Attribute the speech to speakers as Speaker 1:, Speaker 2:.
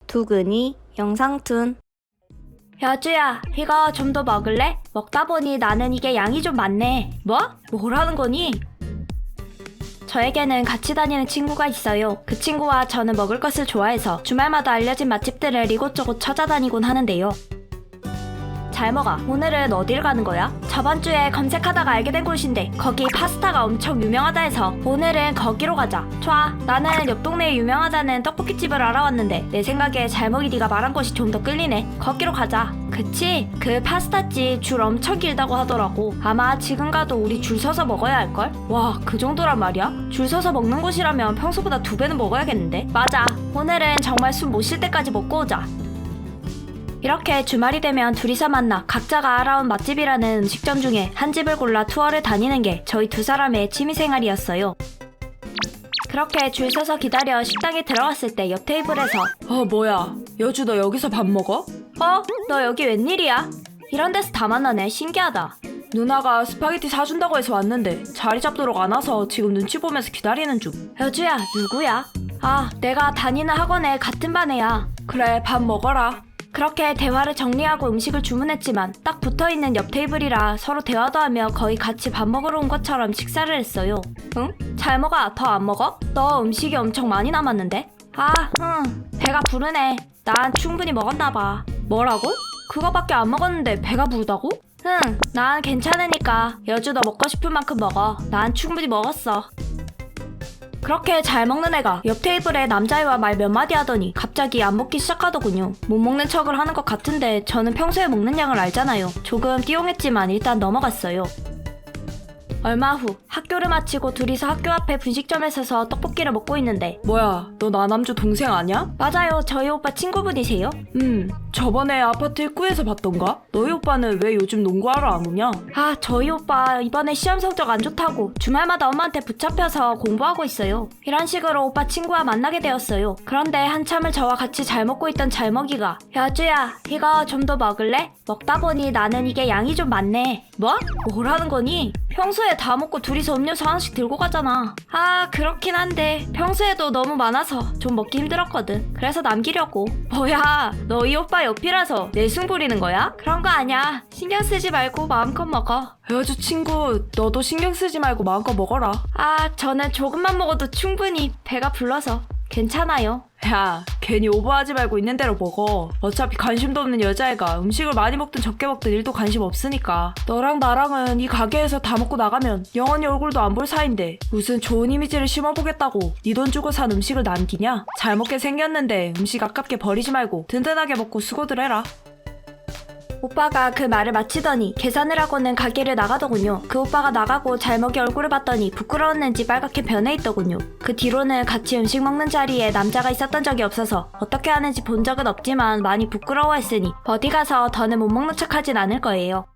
Speaker 1: 두근이 영상툰. 여주야, 이거 좀 더 먹을래? 먹다 보니 나는 이게 양이 좀 많네. 뭐? 뭐라는 거니? 저에게는 같이 다니는 친구가 있어요. 그 친구와 저는 먹을 것을 좋아해서 주말마다 알려진 맛집들을 이곳저곳 찾아다니곤 하는데요. 잘 먹어. 오늘은 어딜 가는 거야? 저번 주에 검색하다가 알게 된 곳인데 거기 파스타가 엄청 유명하다 해서 오늘은 거기로 가자. 좋아. 나는 옆 동네에 유명하다는 떡볶이집을 알아왔는데 내 생각에 잘먹이 네가 말한 곳이 좀 더 끌리네. 거기로 가자. 그치? 그 파스타집 줄 엄청 길다고 하더라고. 아마 지금 가도 우리 줄 서서 먹어야 할걸? 와, 그 정도란 말이야? 줄 서서 먹는 곳이라면 평소보다 2배는 먹어야겠는데? 맞아. 오늘은 정말 숨 못 쉴 때까지 먹고 오자. 이렇게 주말이 되면 둘이서 만나 각자가 알아온 맛집이라는 음식점 중에 한 집을 골라 투어를 다니는 게 저희 두 사람의 취미생활이었어요. 그렇게 줄 서서 기다려 식당에 들어갔을 때 옆 테이블에서
Speaker 2: 뭐야, 여주 너 여기서 밥 먹어?
Speaker 1: 너 여기 웬일이야? 이런 데서 다 만나네. 신기하다.
Speaker 2: 누나가 스파게티 사준다고 해서 왔는데 자리 잡도록 안 와서 지금 눈치 보면서 기다리는 중.
Speaker 1: 여주야, 누구야? 내가 다니는 학원의 같은 반 애야.
Speaker 2: 그래, 밥 먹어라.
Speaker 1: 그렇게 대화를 정리하고 음식을 주문했지만 딱 붙어있는 옆 테이블이라 서로 대화도 하며 거의 같이 밥 먹으러 온 것처럼 식사를 했어요. 응? 잘 먹어. 더 안 먹어? 너 음식이 엄청 많이 남았는데? 배가 부르네. 난 충분히 먹었나봐. 뭐라고? 그거밖에 안 먹었는데 배가 부르다고? 난 괜찮으니까 여주 너 먹고 싶은 만큼 먹어. 난 충분히 먹었어. 그렇게 잘 먹는 애가 옆 테이블에 남자애와 말 몇 마디 하더니 갑자기 안 먹기 시작하더군요. 못 먹는 척을 하는 것 같은데 저는 평소에 먹는 양을 알잖아요. 조금 띠용했지만 일단 넘어갔어요. 얼마 후 학교를 마치고 둘이서 학교 앞에 분식점에 서서 떡볶이를 먹고 있는데
Speaker 2: 뭐야, 너 나남주 동생 아냐?
Speaker 1: 맞아요. 저희 오빠 친구분이세요?
Speaker 2: 저번에 아파트 입구에서 봤던가? 너희 오빠는 왜 요즘 농구하러 안 오냐?
Speaker 1: 저희 오빠 이번에 시험 성적 안 좋다고 주말마다 엄마한테 붙잡혀서 공부하고 있어요. 이런 식으로 오빠 친구와 만나게 되었어요. 그런데 한참을 저와 같이 잘 먹고 있던 잘먹이가 여주야, 이거 좀 더 먹을래? 먹다 보니 나는 이게 양이 좀 많네. 뭐? 뭐라는 거니? 평소에 다 먹고 둘이서 음료수 하나씩 들고 가잖아. 그렇긴 한데 평소에도 너무 많아서 좀 먹기 힘들었거든. 그래서 남기려고. 뭐야, 너희 오빠 옆이라서 내숭 부리는 거야? 그런 거 아니야. 신경 쓰지 말고 마음껏 먹어.
Speaker 2: 여주 친구, 너도 신경 쓰지 말고 마음껏 먹어라.
Speaker 1: 저는 조금만 먹어도 충분히 배가 불러서 괜찮아요.
Speaker 2: 야, 괜히 오버하지 말고 있는 대로 먹어. 어차피 관심도 없는 여자애가 음식을 많이 먹든 적게 먹든 일도 관심 없으니까. 너랑 나랑은 이 가게에서 다 먹고 나가면 영원히 얼굴도 안 볼 사이인데 무슨 좋은 이미지를 심어보겠다고 네 돈 주고 산 음식을 남기냐? 잘 먹게 생겼는데 음식 아깝게 버리지 말고 든든하게 먹고 수고들 해라.
Speaker 1: 오빠가 그 말을 마치더니 계산을 하고는 가게를 나가더군요. 그 오빠가 나가고 잘먹이 얼굴을 봤더니 부끄러웠는지 빨갛게 변해 있더군요. 그 뒤로는 같이 음식 먹는 자리에 남자가 있었던 적이 없어서 어떻게 하는지 본 적은 없지만 많이 부끄러워했으니 어디 가서 더는 못 먹는 척 하진 않을 거예요.